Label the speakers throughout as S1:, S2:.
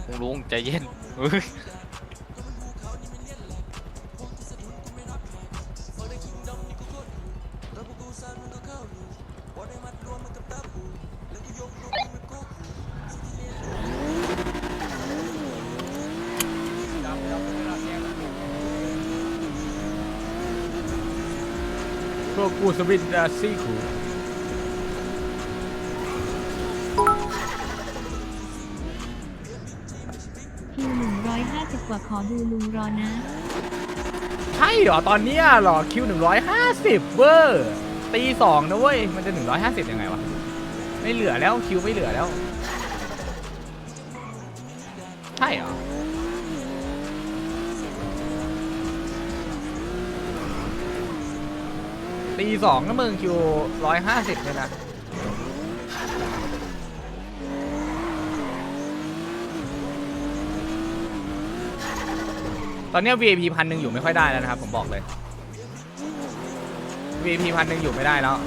S1: ลุงใจเย็นเฮ้ย
S2: พวกกูสวิตดาซี่คู
S3: คิว150 กว่าขอดูลุงรอนะ
S2: ใช่เหรอตอนเนี้ยเหรอคิว150เวอร์ตี2นะเว้ยมันจะ150ยังไงวะไม่เหลือแล้วคิวไม่เหลือแล้วใช่เหรอตี2นะมึงคิว150เลยนะตอนเนี้ย VIP 1,000อยู่ไม่ค่อยได้แล้วนะครับผมบอกเลย VIP 1,000อยู่ไม่ได้แล้ว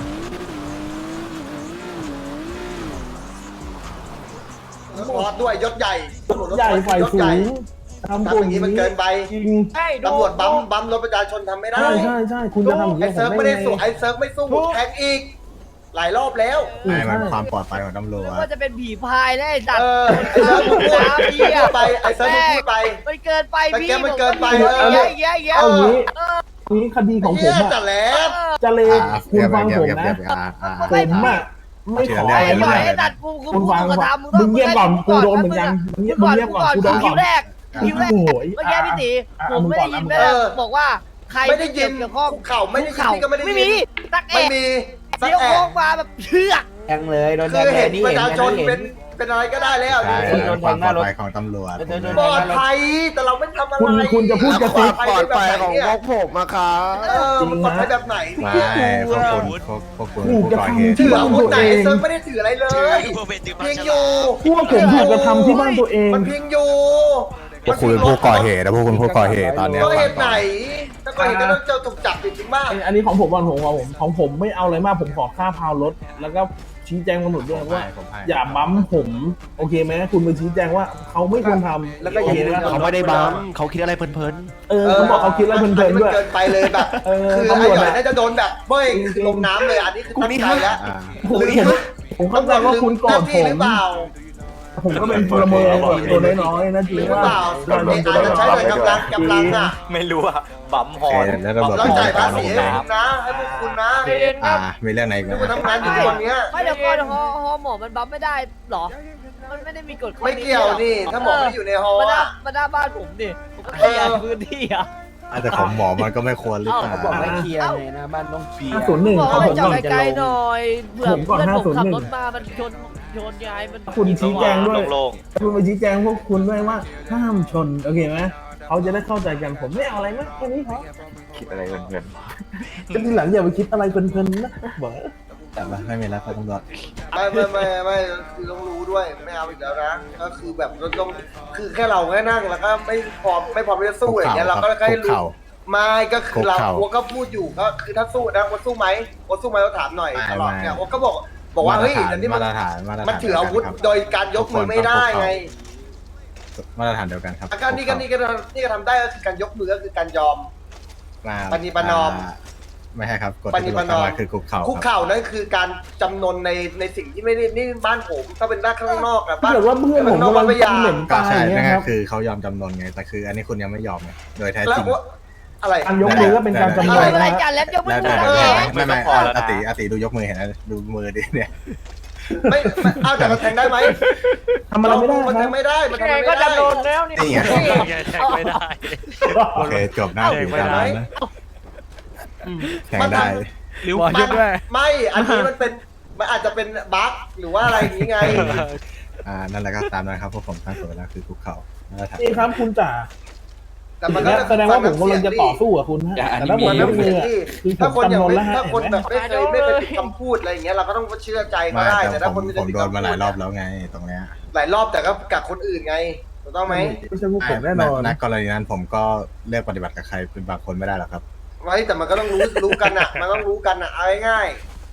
S4: รถด้วยยศใหญ่ตำรวจรถ
S5: ใหญ่ฝ่าย
S4: ยศ
S5: สู
S4: ใหญ่
S5: งทำ
S4: ทำอย่างนี้มันเกินไป
S5: จริง
S4: ตำรวจบัมรถประชาชนทำไม่ได้
S5: ใช่คุณจะทำอย่าง
S4: ไอ้
S5: นี้
S4: เซิร์ฟไม่ได้สู้ไอ้เซิร์ฟไม่สู้แทงอีก หลายรอบแล้ว
S6: ไม่มันความปลอดภัยของตำรวจ
S7: ว่าจะเป็นผีพายแล้วไอ้สัตว์
S4: ไอ้เซิร์ฟมึงพูดไปไอ้เซิร์ฟมึงพูดไป
S7: มันเกินไปพี่
S4: มันเกินไป
S7: เยอะแยะเยอะ
S5: เอางี้นี้คดีของผม
S4: เหี้ย
S5: อะ
S4: จัดแล้ว
S5: จะเลคุณฟังผมนะ ผมอะไม่ขอ
S7: ไอ้
S5: อะไร
S7: ไอ้
S5: มาก
S7: ไอ้สัตว์กู
S5: คุณฟัง
S7: กระ
S5: ก่อน
S7: ทำ
S5: มึงเงียบก่อนกูโดนเหมือนกันมึงเงียบก่อนกูโดนก่
S7: คิ
S5: อ
S7: วน แรกคิวแรก
S5: โอ้โห
S7: เมื่อกี้พี่ตีผมไม่ได้ยินแม่บอกว่าใคร
S4: ไม่ได้ยิน
S7: เกี่ยวข้อง
S4: เข่าไม่ได้ยินนี่ก็ไม่ได้
S7: ไม่
S4: ยิ
S7: มี
S4: น
S7: ตักเอ
S4: ไม่
S7: ก
S4: มีสัก
S7: เดี๋ยว
S4: แอ
S7: โค้งมาแบบเชือก
S8: แทงเลยโดนแท
S4: คื
S8: ง
S4: อ
S8: เล
S4: เห็
S8: ย
S4: น
S8: นี่
S4: ประ
S8: เห็น
S4: ชาชน
S8: เห็
S4: เป็น นอะไรก็ได้แล้ว
S6: ใช่
S4: นี่
S6: ความปลอดภัยของตำรวจ
S4: ปลอดภัยแต่เราไม่ทำอะไร
S5: คุณจะพูดกระซิบ
S4: ปลอดภัยของพวก
S6: ผมอะครับ
S4: มันปลอดภัยแบบไหน
S6: ไม่พวกคุณพวกคุณผู้ก่อเหตุ
S4: ถืออาวุธไหนเซิร์ฟไม่ได้ถืออะไรเลยเพียงอยู่
S5: พวกผมถูกกระทำที่บ้านตัวเอง
S4: มันเพียงอยู่
S6: พวกคุณเป็นผู้ก่อเหตุนะพวกคุณผู้ก่อเหตุตอนเนี้ย
S4: ก็เหตุไหนถ้าก่อเหตุก็ต้องเจอถูกจับจริงๆบ้าง
S5: อันนี้ของผมก่อนของผมไม่เอาอะไรมากผมขอค่าพาวรถแล้วก็ชี้แจงตำรวจด้วยว่า อย่าบั๊มผมโอเคไหมคุณไปชี้แจงว่าเขาไม่ควรทำ
S4: แล้วก็
S5: โอเค
S4: ยิง
S5: นะ
S8: เขาไม่ได้บัมเขาคิดอะไรเพลิน
S5: เขาบอกเขาคิดอะไรเพลินๆด้วย
S4: เกินไปเลยแบบ คือ
S5: ตำ
S4: ไอ้
S5: รวจ
S4: หน่อย
S5: อะ
S4: น่าจะโดนแบบเบ้ยลงน้ำเลยอันนี้คือตั้งใจแล้ว
S5: ผมเข้าใจว่าคุณโกรธ
S4: หน้าที่หรือเปล่า
S5: ผมก็เป็นพลเมืองแบบตัวน้อยๆนะจริง
S4: หรือ
S5: ว่า
S4: เปล่าอาจจะใช้หน่วยกำลังอ่ะ
S1: ไม่รู้อะบัมฮอ
S6: โอน เคแล้วตำรวจ
S4: เรา
S6: เป็น
S4: จ่าย
S6: กา
S4: ภาร ษี
S6: ลง
S4: ให้
S6: น้
S4: คุณนะให้พวกคุณนะ
S6: มีเรื่องไหนอีกไหม
S4: ที่คุณทำงานอยู่ทุกวันเนี้ย
S7: ไม่เดี๋ยวก่อนฮอหมอมันบัฟไม่ได้หรอ มันไม่ได้มีกฎข้อ
S4: ไม่เกี่ยวนี่ถ้าหมอไม่อยู่ในฮอ
S7: มาหน้า
S4: อ่ะ
S7: มาหน้าบ้านผมดิผมก็เคลียร์พื้นที่อ่ะ
S6: อาจจะของหมอมันก็ไม่ควรหรือเปล่า
S8: ๆบอกให้เคลียร์ไงนะบ้านต้องเคลียร์
S5: 501
S7: บอก
S5: ของ
S7: ให้
S5: ผม
S7: จอ
S5: ก่
S7: ด
S5: อน
S7: ไกลๆหน่อยเผื่อ
S5: ผมก่อน
S7: เพื่อนผมขับ
S5: 501
S7: รถมามันชนยายมัน
S5: คุณชี้แจงด้วย
S1: โล่ง
S5: คุณไปชี้แจงพวกคุณด้วยว่าห้ามชนโอเคไหมเขาจะได้เข้าใจกันผมไม่เอาอะไรมากแค่นี้พอ
S6: คิดอะไรเพลิน
S5: จะทีหลังอย่าไปคิดอะไรเพลินๆนะบอก
S6: ๆแต่ว่าไม่มีแล้วครับตำรวจ
S4: ไม่คือต้องรู้ด้วยไม่เอาอีกแล้วนะก็คือแบบเราต้องคือแค่เราแค่นั่งแล้วก็ไม่พร้อมที่จะสู้อย่างเงี้ยเราก็แค่รู้ไม่ก็คือเราโอก็พูดอยู่ก็คือถ้าสู้นะว่าสู้ไหมว่าสู้ไหมเราถามหน่อยตลอดเนี่ยโอก็บอกว่าเฮ้ยอันนี้มัน
S6: มาตรฐาน
S4: มันถืออาวุธโดยการยกมือไม่ได้ไง
S6: มาตรฐานเดียวกันครับ
S4: อาการนี่ก็ทำได้ก็คือการยกมือก็คือการยอม ปฏิบัตินอม
S6: ไม่ใช่ครับกฎ
S4: ปฏิ
S6: ที่
S4: บั
S6: เรา
S4: ตินอม
S6: ทำมาคือคุกเข่า
S4: คุก
S6: ครับ
S4: เข่านั่นคือการจำนนในสิ่งที่ไม่ได้นี่บ้านผมถ้าเป็นด้านข้างนอกอะ
S5: ถ้าเกิดว่าเพื่อนผมกำลังเหม็น
S6: ก็
S5: ตาย
S6: ใช่
S5: เนี่
S6: นั่
S5: ย
S6: น
S5: ค
S6: ก็
S5: รับ
S6: คือเขายอมจำนนไงแต่คืออันนี้คุณยังไม่ยอมไงโดยแท้
S4: แล้
S6: จ
S4: ว
S6: ริง
S4: อะไร
S5: การยกมือก็เป็นการจำน
S7: อะไร
S5: น
S7: อะไร
S5: นะ
S7: จันแล้วยกมื
S6: แล้ว
S7: อ
S6: ได้
S7: ไหน
S6: ไม่
S1: ไม่พอแล้วนะ
S6: อาติดูยกมือเห็นไหมดูมือดิเนี่ย
S4: ไม่เอาแต่มันแทงได้ไหม
S5: ทำอะไรไม่ได้
S4: มัน
S5: ค
S4: แท
S5: รับ
S4: งไม่ได้มันแทง
S7: ไง
S4: ไม่
S7: ก็
S4: ได้
S7: จะโดนแล้วนี่
S6: นี่ไง
S1: แทงไม่ได้
S6: โอเคจบหน้าถึงการนะแข่งได้
S2: ริ้วหมอยุดด้วย
S4: ไม่อันนี้มันอาจจะเป็นบั๊กหรือว่าอะไรอย่างนี้ไง
S6: นั่นแหละก็ตามนั้นครับพวกผมทั้งตัวแล้วคือคุกเข่ามาตรฐาน
S5: นี่ครับคุณจ๋า
S4: แต่มันก็
S5: แสดงว่าผมกำลังจะต่อสู้กับคุณฮะแต่ถ้าผม
S4: มัน
S5: ย
S4: ไม่
S5: ก
S4: เห
S5: มื
S4: มือ
S5: อน
S4: ที่
S5: คือผ
S4: ถ้าม คนอย่าง
S5: จำนน
S4: ไม่
S5: แล้วฮะ
S4: ถ้าคน
S5: เห็นไหม
S4: แบบไม่เคยปิดคำพูดอะไรอย่างเงี้ยเราก็ต้องเชื่อใจก็
S6: ไม่
S4: ได้
S6: แต่
S4: แต่ถ้า
S6: ผ
S4: ค
S6: ม
S4: นไม่
S6: ผม
S4: ปิด
S6: โดน
S4: คำ
S6: มา
S4: พูด
S6: หลายรอบแล้วไงตรงเนี้ย
S4: หลายรอบแต่ก็กับคนอื่นไงถูกต้องไหม
S5: ไม่ใช่พวกผมแน่นอน
S6: ณกรณีนั้นผมก็เลือกปฏิบัติกับใครเป็นบางคนไม่ได้หรอกครับ
S4: ไว้แต่มันก็ต้องรู้กันอ่ะมันต้องรู้กันอ่ะเอาง่าย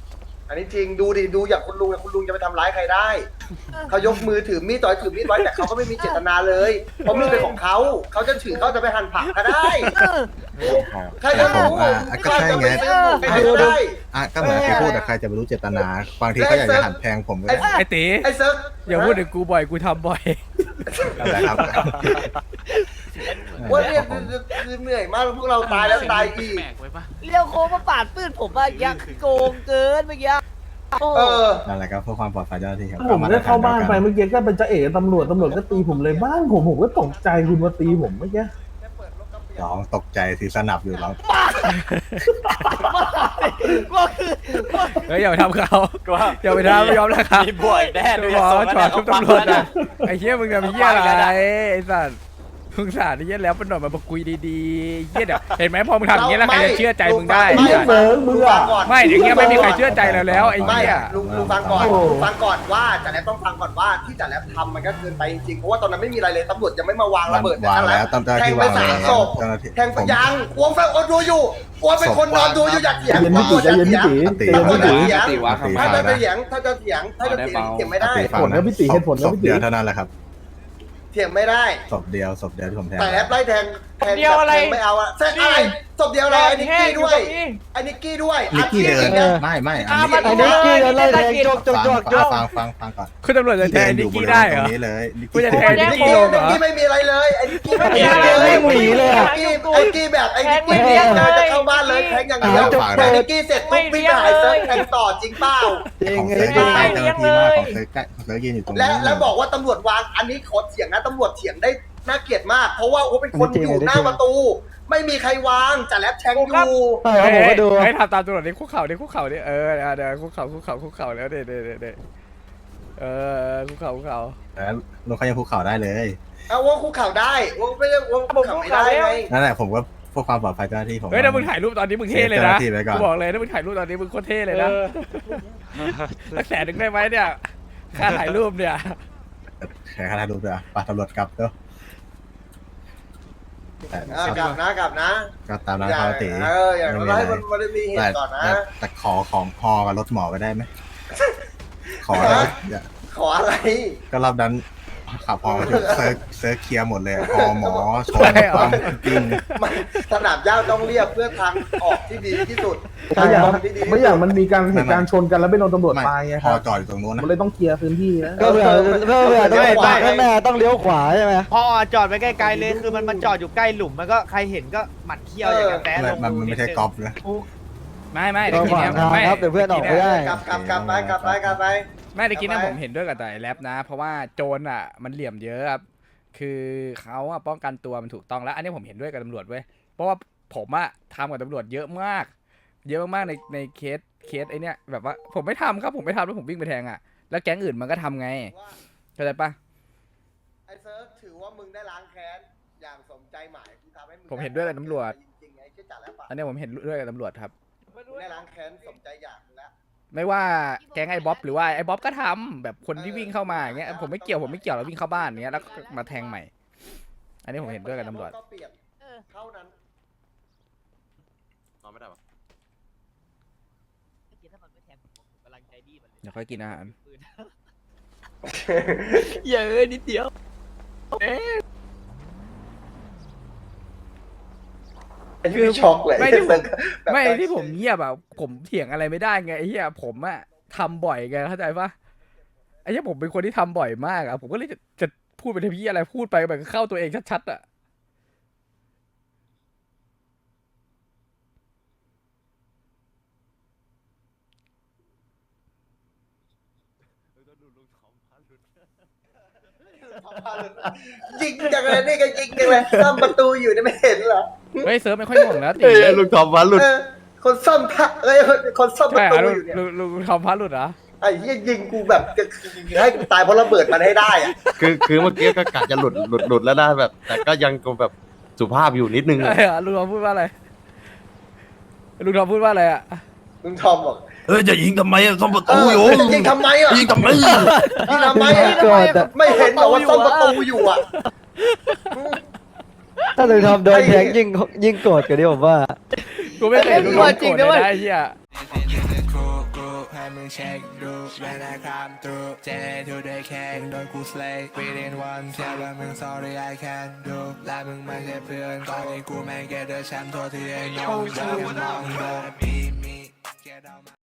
S4: อันนี้จริงดูดิดูอย่างคุณลุงจะไปทำร้ายใครได้เขายกมือถือมีดต่อยถือมีดไว้แต่เขาก็ไม่มีเจตนาเลยเพราะมีดเป็นของเขาจะถือเขาจะไปหั่นผักก็ได้ใครจะรู้
S6: ก็ใช่ไง
S4: ใครจะได้
S6: ก็เหมือนที่พูดแต่ใครจะไปรู้เจตนาบางทีเขาอยากจะหันแพงผมก็ได้
S2: ไอ้ตี
S4: ไอ้เซิร์ฟ
S2: อย่าพูดถึงกูบ่อยกูทำบ่อย
S6: นั่นแหละครับ
S4: ว่าเนี่ยคือเหนื่อยมากพวกเราตายแล้วตายอีก
S1: แปลกไว้ปะ
S7: เลี้ยวโค้งมาปาดปื้นผมอะยักโกงเกินเมื่อกี้โอ้
S6: นั่นแหละครับเพื่อความปลอดภัยเจ้าหน้าที่ครับ
S5: ผมได้เข้าบ้านไปเมื่อกี้ก็เป็นจะเอ๋ตำรวจก็ตีผมเลยบ้านผมก็ตกใจคุณมาตีผมเมื่อกี้
S6: ร้องตกใจสิสนับอยู่ร้อง
S7: ก็คือ
S2: เฮ้ยอย่าไปทำเขา
S1: ก็ว่า
S2: อย่าไปทำไม่ยอมนะครับ
S1: มีบ่อยแน่
S2: ดูหมอจอดทุบตำรวจนะไอ้เหี้ยมึงทำเหี้ยอะไรไอ้สัตว์มึงสาดไอ้เหี้ยแล้วเป็นหน่อยมาคุยดีๆเหี้ยเดี๋ยวเห็นไหมพอมึงทำอย่างเงี้ยแล้วใครจะเชื่อใจมึงได้
S5: ไม่เบิร์มึงอ่ะ
S2: ไม่อย่างเงี้ยไม่มีใครเชื่อใจเราแล้วไอ้
S4: ไม่
S2: เหี้ย
S4: ลุงฟังก่อนฟังก่อนว่าจ่าแหลมต้องฟังก่อนว่าที่จ่าแหลมทำมันก็เกินไปจริงๆเพราะว่าตอนนั้นไม่มีอะไรเลยตำรวจยังไม่มาวางระเบิด
S6: วางแล้วตำรวจ
S4: แทง
S6: ที่
S4: ไป
S6: วาง
S4: สา
S6: แล้
S4: ม
S6: ว
S4: ศพ
S6: เจ้าหน้าที่
S4: แทงไปยังอ้วงฟังอ้วงดูอยู่อ้วงเป็นคนนอนดูอยู่อย่าเถียง
S5: ใจเย็นพี่ตีใจเย็นพี่ตีใจเย็นพี่ตี
S4: ถ้าจะเถียงถ้าจะเถียงเถียงไม่ได้
S5: เหตุผลนะพี่ตีเหตุผลนะ
S6: ศพ
S5: พี่ตี
S6: เดียวเท่านั้นแหละครับ
S4: เถียงไม่ได้
S6: ศพเดียวที่ผมแทง
S4: แต่แอปไล่แทงไม่เอาอะแทงอะไรศพเดียวอะไรไอ้นิกกี้ด้วยไอ้นิกกี้ด้วย
S6: นิกกี้เดิน
S4: นะ
S6: ไม่อัน
S7: ไอ้
S6: นี้
S7: นิกกี้ไล่แทงจก
S6: ฟังก่อน
S2: คุณตำรวจจะแทงนิกกี้ได้เหร
S6: ตร
S2: อง
S6: นี้เลย
S2: กูจะแทง
S4: ไอ้นิกกี้ไม่มีอะไรเลยไอ้นิกกี้ไม่มีอะไรเลยไอ้นิกกี้แบบไอ้นิกกี้เนี่ยจะเข้าบ้านเลยแทงอย่างเดียวไอ้นิกกี้เสร็จปุ๊บวิ่งไปหายเซิร์ฟแทงต่อจริงเปล่า
S6: ของเซิร์ฟยืนใกล้เจ้าหน้าที่มากของเซิร์ฟใกล้ของเซิร์ฟยืนอยู่ตรงนี้
S4: แล้วบอกว่าตำรวจวางอันนี้ขอเถียงนะตำรวจเถียงได้น่าเกลียดมาก เพราะว่าโอ้เป็นคนอยู่หน้าประตู ไม่มีใครวางจ่าแลบแทงอยู่
S2: ให้ทำตามตำรวจนี่คุกเข่านี่คุกเข่านี่เดี๋ยวคุกเข่าแล้วเดี๋ยวคุกเข่า
S6: แล้วลงเขายังภูเขาได้เลย
S4: เอาว่าคุกเข่าได้ว่าไม่ได้ว่าคุกเข่าไม่ได้ไง
S6: นั่นแหละผมก็เพื่อความปลอดภัยเจ้าหน้าที่ผม
S2: เฮ้ยถ้ามึงถ่ายรูปตอนนี้มึงเท่เลยนะ
S6: เสียเจ้าหน้าที่ไว้ก่อน
S2: กูบอกเลยถ้ามึงถ่ายรูปตอนนี้มึงโคตรเท่เลยนะสัก100,000ได้ไหมเนี่ยค่าถ่ายรูปเนี่ย
S6: แค่ถ่ายรูปเลยปะตำรวจกลับเนาะ
S4: กลับนะ
S6: ก็ตามนั้นปกติ
S4: อย่างน้อยให้มันได้มีเหตุก่อนนะ
S6: แต่ขอของพอกับรถหมอไปได้ไหมขอ
S4: ขออะไร
S6: ก็รอบนั้นขับพอมาถึงเซิร์ฟเคลียร์หมดเลยพอหมอชนปั๊มปิ้ง
S4: สนามหญ้าต้องเรียบเพื่อทางออกที่ดีที่สุด
S5: ไม่อยากมันมีการเหตุการณ์ชนกันแล้วไปโดนตำรวจตายไง
S6: พ
S5: ค
S6: อ
S5: รับ
S6: จอดอยู่ตรงนู้น
S5: มัน
S6: นะ
S5: เลยต้องเคลียร์พื้นที่นะ
S8: ก็เผื่อต้องไปข้างหน้าต้องเลี้ยวขวาใช่ไหม
S9: พอจอดไปไกลๆเลยคือมันจอดอยู่ใกล้หลุมมันก็ใครเห็นก็หมัดเขี้ยวอย่างกับแต้ลง
S6: มันไม่ใช่กอล์ฟนะ
S2: ไม่
S8: ก็ขวางทางครับเดี๋ยวเพื่อนออกไม่ได้
S4: กลับไป
S2: ไม่ได้กินนะผมเห็นด้วยกับแต่แรปนะ เพราะว่าโจรอ่ะมันเหลี่ยมเยอะครับคือเขาอ่ะป้องกันตัวมันถูกต้องแล้ว อันนี้ผมเห็นด้วยกับตำรวจเว้ยเพราะว่าผมอ่ะทำกับตำรวจเยอะมากในเคสไอเนี้ยแบบว่าผมไม่ทำครับผมไม่ทำแล้วผมวิ่งไปแทงอ่ะแล้วแก๊งอื่นมันก็ทำไงเข้าใจปะ
S4: ไอ้เซิร์ฟถือว่ามึงได้ล้างแค้นอย่างสมใจหมายกูทำให้มึง
S2: ผมเห็นด้วยกับตำรวจ
S4: จริงๆไอ้เจ้าจ่าแล้วปะ
S2: อันนี้ผมเห็นด้วยกับตำรวจครับ
S4: ได้ล้างแค้นสมใจอยากแล้ว
S2: ไม่ว่าแก๊งไอ้บ๊อบหรือว่าไอ้บ๊อบก็ทำแบบคนที่วิ่งเข้ามาอย่างเงี้ยผมไม่เกี่ยวแล้ววิ่งเข้าบ้านอย่างเงี้ยแล้วมาแทงใหม่ อันนี้ผมเห็นด้วยกับตำรวจ
S4: ก็เปลี่ยนเท่านั้น
S1: นอนไม่ได้ปะ
S2: เดี๋ยวค่อยกินอาหาร
S7: เยอะนิดเดียว
S4: คือช็อกเลย
S2: ไม่ที่ผมเงียบอ่ะผมเถียงอะไรไม่ได้ไงไอ้เหี้ยผมอ่ะทำบ่อยไงเข้าใจปะไอ้เหี้ยผมเป็นคนที่ทำบ่อยมากอ่ะผมก็เลยจะพูดไปทำเหี้ยอะไรพูดไปแบบเข้าตัวเองชัดๆอ่ะ
S4: ยิงจังเลยนี่ก็ยิงจังเลยซ่อมประตูอยู่นี่ไม่เห็นเหรอ
S2: เฮ้ยเซิร์ฟไม่ค่อยห่วงแล้วตี
S6: ลุงทอมวันหลุด
S4: คนซ่อมพระคนซ่อมประ
S2: ใช่
S4: ตู
S2: เหรอ
S4: อยู่เนี่ย
S2: ลุงทอมพัดหลุดเหรอ
S4: ไอ้ยี่ยิงกูแบบจะให้กูตายเพราะระเบิดมันให้ได้อะ
S10: คือเมื่อกี้ก็กะจะหลุดแล้วนะแบบ แต่ก็ยังแบบสุภาพอยู่นิดนึง
S2: อะไรอ่ะลุงทอมพูดว่าอะไรอ่ะ
S4: ลุงทอมบอก
S6: จะยิงทำไมซ่อมประตูอยู่
S4: ยิงทำไมอ่ะ
S6: ยิงทำไม
S4: ยิงทำไมอ่ะไม่เห็นเหรอว่าซ่อมประตูอยู่อ่ะ
S8: ถ้าถึงทำโดนแทงยิ่งโกรธกันดิผมว่า
S2: กูไม่เคยเห็นลุงโดนโกรธเลยนะไอ้เหี้ย
S11: ให้มึงเช็คดูแม่นะครับตูเจทูได้แค่โดนกูสเลย์ within one เชื่อว่ามึง sorry I can do และมึงไม่ใช่เพื่อนตอนนี้กูแม่งแกเดอร์แชมป์โทษที่ไอ้น้องจะมองโดนมี